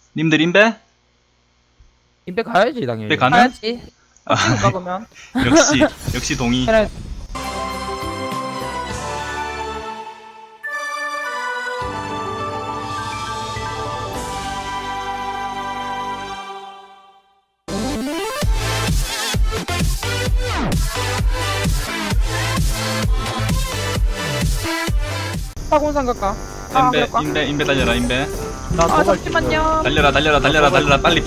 님들 인베? 인백 가야지 당연히. 인베 가능? 가야지. 아, 찍을까 그러면? 역시 동의. 그래. 사공산 갈까? 인베 달려라 인베. 나 아 도발 잠시만요. 달려라 빨리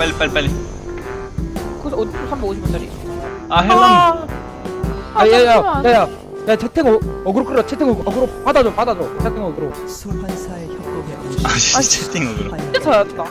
그래서 350원짜리. 아 헬런. 아 야야야 잠시만. 야야 야 채팅 어그로 끌어 채팅 어그로 받아줘 채팅 어그로. 소환사의 협곡에 오신 아 채팅으로. 진짜 잘했다.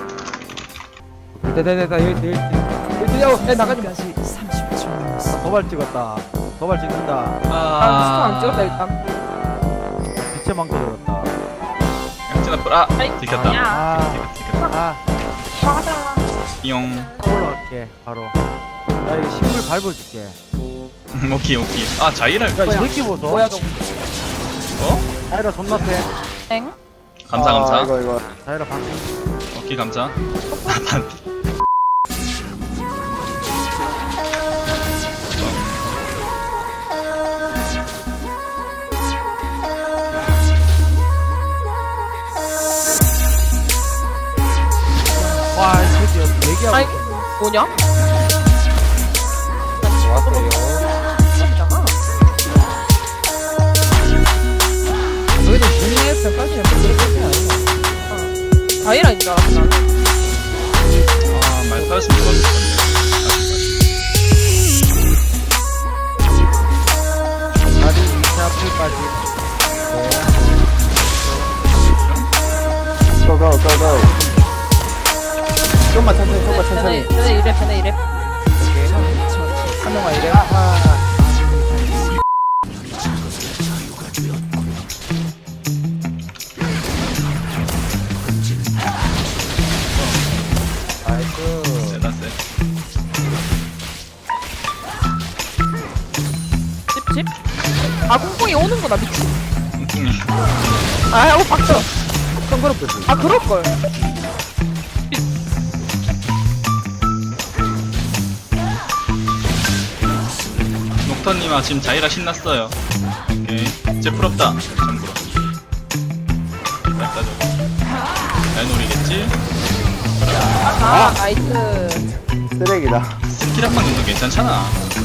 됐다 여기 야 나가지 마. 30초 남았습니다. 도발 찍었다. 도발 찍는다. 난 스톤 안 찍었다 일단. 빛의 망토 들었다. 양진아 뿔. 아 아이, 들켰다. 야. 아, 화가 용. 올라갈게 바로. 나 이거 식물 밟아줄게. 오케이. 아 자이를. 야, 이 새끼 보소. 뭐야 저거? 어? 자이라 존나 세. 엥? 감사. 이거. 자이라 방. 오케이 감사. 반피. 와, 이 새끼 얘기하고. 아니 뭐냐? 좋았어요. 잖아. 너희들 중립 평가시면 그렇게 아니야. 다이라인 줄 알았어 나는. 아말 타였으면 좋았을 건데. 다리 위치 앞을까지. 고고고고. 좀만 천천히. 쟤네 이래. 한 명만 이래. 나이스. 세다 세. 찝찝? 아 꽁꽁이 오는 거나 미친. 뚱뚱이. 아 하고 박쳐. 덩그럽듯이. 아 그럴 걸. 녹터님아 지금 자이라 신났어요. 오케이. 제 부럽다. 참고로. 짧다 저거. 잘 노리겠지? 아 나이스. 쓰레기다. 스킬 한 방 정도 괜찮잖아.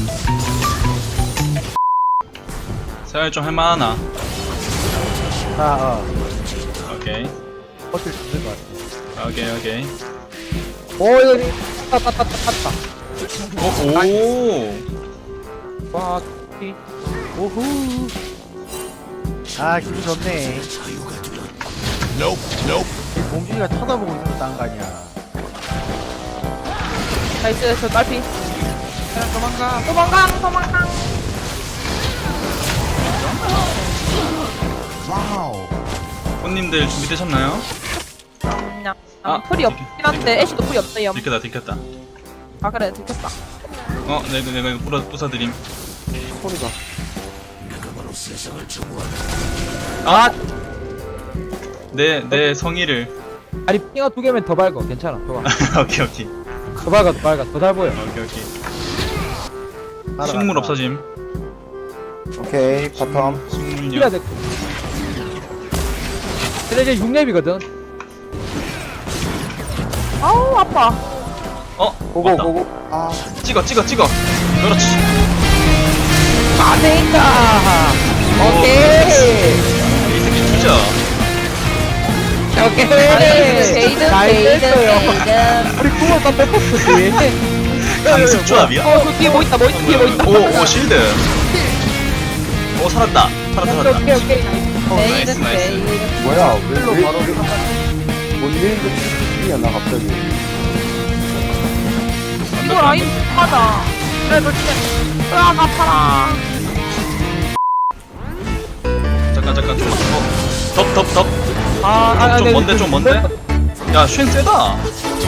생활 좀 할만하나? 오케이. 버틸 수 있을 것 같아. 오케이. 오 여기 탔다. 오. 와. 오후. 아, 기분 좋네. 이 공주가 쳐다보고 있었단 거 아니야. 나이스 저 딸피. 도망가. 꽃님들 준비되셨나요? 그냥 아, 풀이 없긴 한데 애쉬도 풀이 없어요. 들켰다. 아 그래 들켰다. 내가 이거 부숴드림. 소리가. 아! 내 성의를. 아니 핑어 2개면 더 밝어. 괜찮아. 더 밝아. 오케이. 더 밝아. 더 잘 보여. 오케이. 식물 없어짐. 오케이, 바텀. 해야 식물요. 돼. 근데 이제 6렙이거든. 아우 아파. 맞다. 아, 찍어. 그렇지. 안되니까. 오, 오케이. 이 새끼 주자. 오케이. 베이든. 우리 구멍 다 뺏었지. 강습 조합이야? 그 뒤에 뭐 있다. 오, 실드. 오, 살았다. 오케이. 나이스. 뭐야, 왜 바로. 뭔 일이야, 갑자기. 이거 라인 하다. 그래 너 진짜. 으악 아파라. 잠깐. 덥. 네, 좀 먼데? 야, 쉔 세다.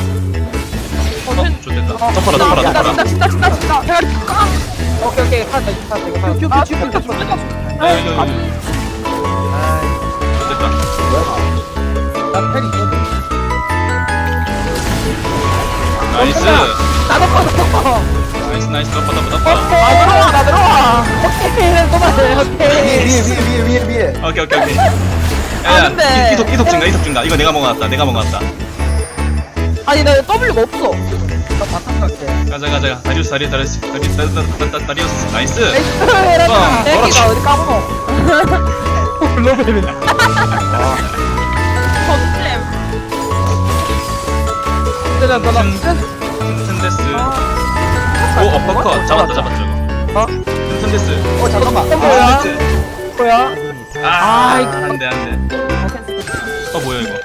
좋됐다. 덮어라. 진짜. 대가리 깡. 오케이. 하나 이거 큐. 야, 이거. 좋됐다. 나 팬이 있거든. 나이스. 나도 꺼. 나이스. 덮어. 나 들어와. 오케이, 그만해. 오케이. 위에. 오케이. 아, 야, 근데- 이속 증가. 이거 내가 먹어놨다. 아니 나 W가 없어. 나 바탕 갈게. 가자. 다리우스. 나이스. 에라다. 그렇지. 애기가 어디 까먹어. 글로벌이. 전쌤. 일단 너나. 튼데스. 오, 어퍼컷. 잡았다, 저거. 어? 튼데스. 잠깐만. 뭐야? 튼데스. 뭐야? 아, 이거. 안 돼. 뭐야, 이거.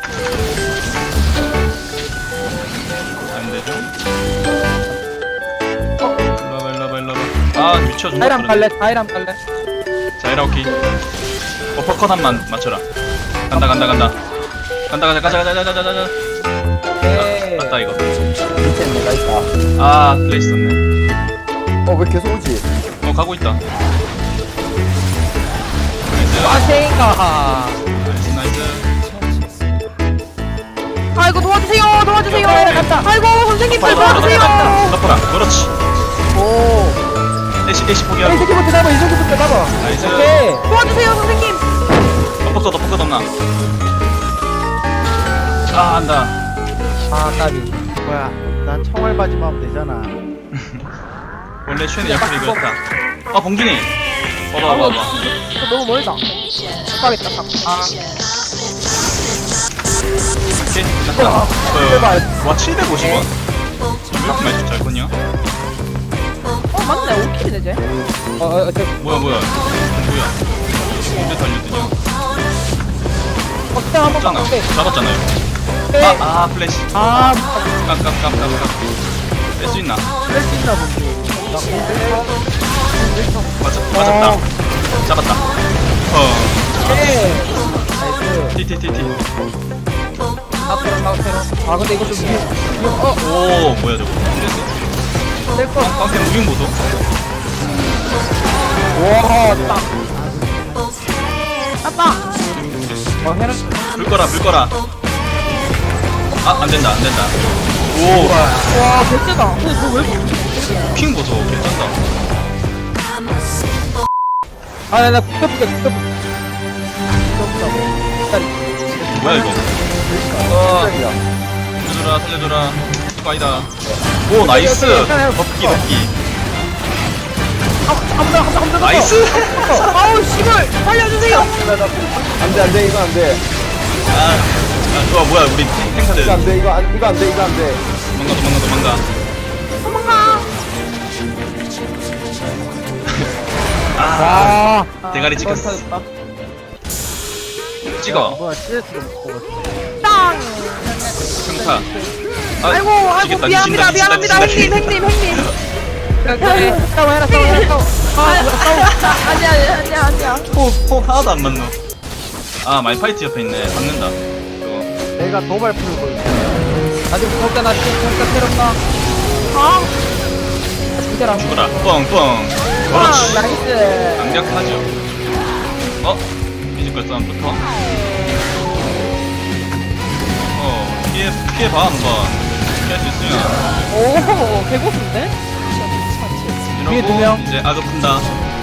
안 되죠? 일로 와봐. 아, 미쳐. 다이람 갈래. 다이람 갈래. 자, 이렇게. 어퍼컷 한만 맞춰라. 간다. 가자. 오케이. 맞다, 이거. 밑에 내가 있다. 아, 플레이 있었네. 왜 계속 오지? 가고 있다. 아, 생가. 나이스. 아이고 도와주세요. 갔다. 아이고 선생님 좀 덮어라. 도와주세요. 그렇지. 오. 애쉬 이 포기하고. 새끼부터 잡아. 이 새끼부터 잡아. 나이스. 오케이. 도와주세요 선생님. 덮어컷 없나? 아, 안다. 아, 까비. 뭐야? 난 청알바지만 하면 되잖아. 원래 슈엔의 역할이 그렇다. 아, 봉준이. 봐봐. 이거 너무 멀다. 가겠다. 아, 오케이. 됐다. 와, 750원? 이렇게 많이 잘 컸냐? 맞네 5킬이네 쟤. 뭐야. 언제 달려드냐? 어때 한번 잡잖아. 봐. 잡았잖아요. 오케이. 아, 플래시. 아, 깜. 뺄수 있나? 뺄수 있나 보지. 맞았다. 잡았다. 오케이. 나이스. TTTT. 아, 근데 이거 좀 오, 뭐야 저거. 뺄거. 깡패 무빙 보소. 와, 딱. 아빠. 해는. 불 거라. 아, 안 된다. 오, 와 개쎄다. 저왜 핑 보소. 괜찮다. 아, 나 붙어볼게. 뭐야 이거. 살려줘라. 이거 아니다. 오, 나이스. 덮기. 한번 나이스. 아우 씨발 살려주세요. 안돼 이거 안돼. 뭐야 우리 탱카들. 이거 안돼 이거 안돼. 도망가. 도망가. 아, 대가리 찍혔어. 찍어. 뭐야? CS로 먹고. 땅. 평타. 아이고 지겠다. 미안합니다. 미친다. 형님. 싸워. 아니야. 호흡 하나도 안 맞노. 아, 말파이트 옆에 있네. 박는다. 이거. 내가 도발 풀고 있어. 아직 무섭잖아. 진짜 새롭다. 아 진짜라. 죽어라. 뻥. 그렇지. 나이스. 강력하죠. 뮤지컬 싸움부터. 피해봐, 한번. 피할 수 있으면. 오 개고수인데? 뒤에 두 명. 이제 악을 푼다.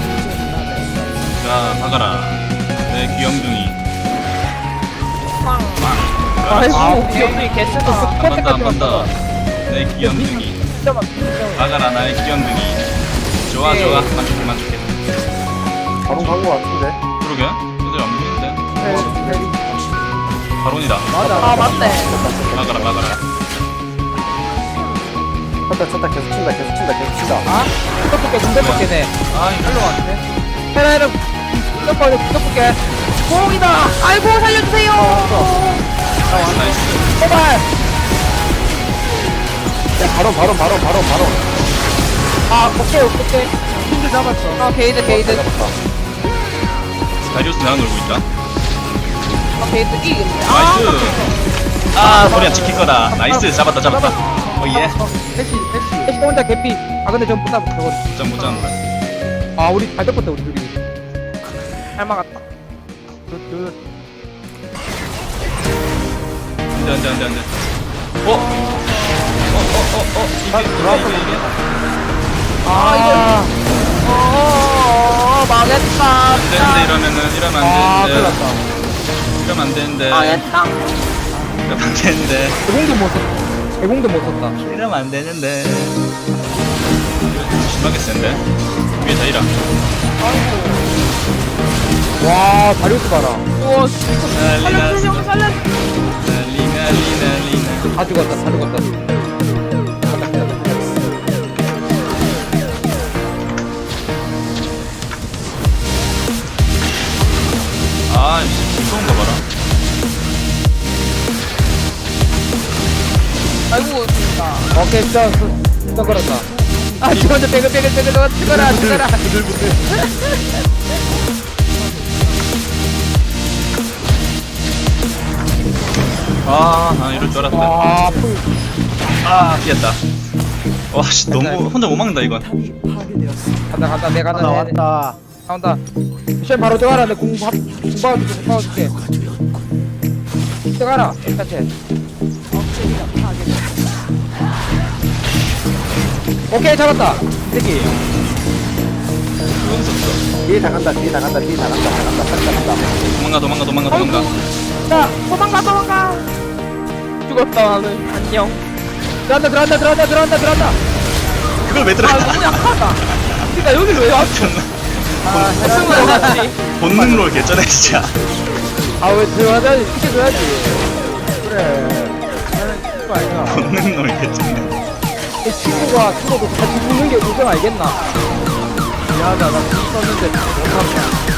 자, 박아라. 내 귀염둥이. 빵. 그렇지. 아이고 귀염둥이 개쎄다. 한 번 더. 내 귀염둥이. 박아라, 나의 귀염둥이. 좋아. 만족해. 바로 간거 같은데. 그러게. 얘들 안 보이는데. 바론이다. 아 맞네. 막아라. 쳤다 계속 친다. 아? 붙어볼게. 아, 이거. 헤라헤라. 붙어볼게. 공이다. 아이고 살려주세요. 나이스. 제발. 바로. 아, 오케이. 힘들 잡았어. 아 게이드. 다리우스 나랑 놀고 있다. 아 게이드 이기겠네. 나이스. 소리야 지킬 거다. 나이스. 잡았다. 예. 해시 혼자 개피. 아, 근데 전 붙다 저거. 못 잡는다. 아, 우리 잘 잡았다, 우리 둘이. 잘 막았다. 안돼. 이게. 아, 망했다. 안 되는데, 이러면 안 큰일 되는데. 났다. 이러면 안 되는데. 망했다. 이러면 안 되는데. 대공도 못 썼다. 대공도 못 썼다. 이러면 안 되는데. 심하게 센데? 위에 다 이라. 와, 다리우스 봐라. 우와, 살려줘, 형, 살려줘. 난리. 다 죽었다, 다 죽었다. 아, 무서운 거 봐라. 아이고, 진짜. 오케이, 또 걸었다. 아, 죽었다, 빼글, 죽어라. 이럴 줄 알았다. 아, 풀. 피했다. 와, 씨, 너무 혼자 못 막는다, 이건. 간다, 내가 하나 왔다. 나온다. 미션 바로 들어가라. 내 공 박아줄게. 들어가라. 일단체. 오케이, 잡았다. 이 새끼. 뒤에 다 간다 간다 도망가. 자, 도망가. 죽었다, 나는. 안녕. 들어간다. 그걸 왜 아, 들어가? 너무 약하다. 그니까 여기를 왜 왔어? 승부해놨지. 본능로 개쩌네, 진짜. 아, 왜 들어가자니? 시켜줘야지. 그래. 나는 친구 아니야. 본능로 개쩌네. 이 친구가 죽어도 같이 죽는 게 우정 알겠나? 미안하다, 나죽 썼는데 못한다.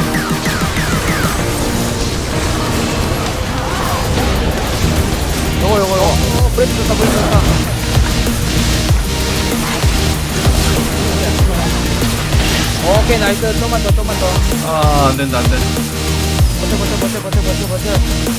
요거. 브레이크 좋다. 오케이, 나이스. 좀만 더. 안 된다. 버텨.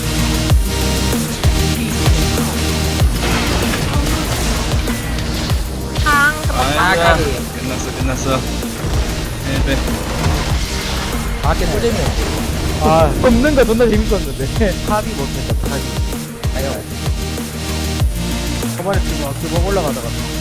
아이고야. 끝났어. 네. 밖에 또 재밌네. 아, 없는 거 존나 재밌었는데. 탑이 못했다, 탑이. 아니요. 초반에 지금 기본 올라가다가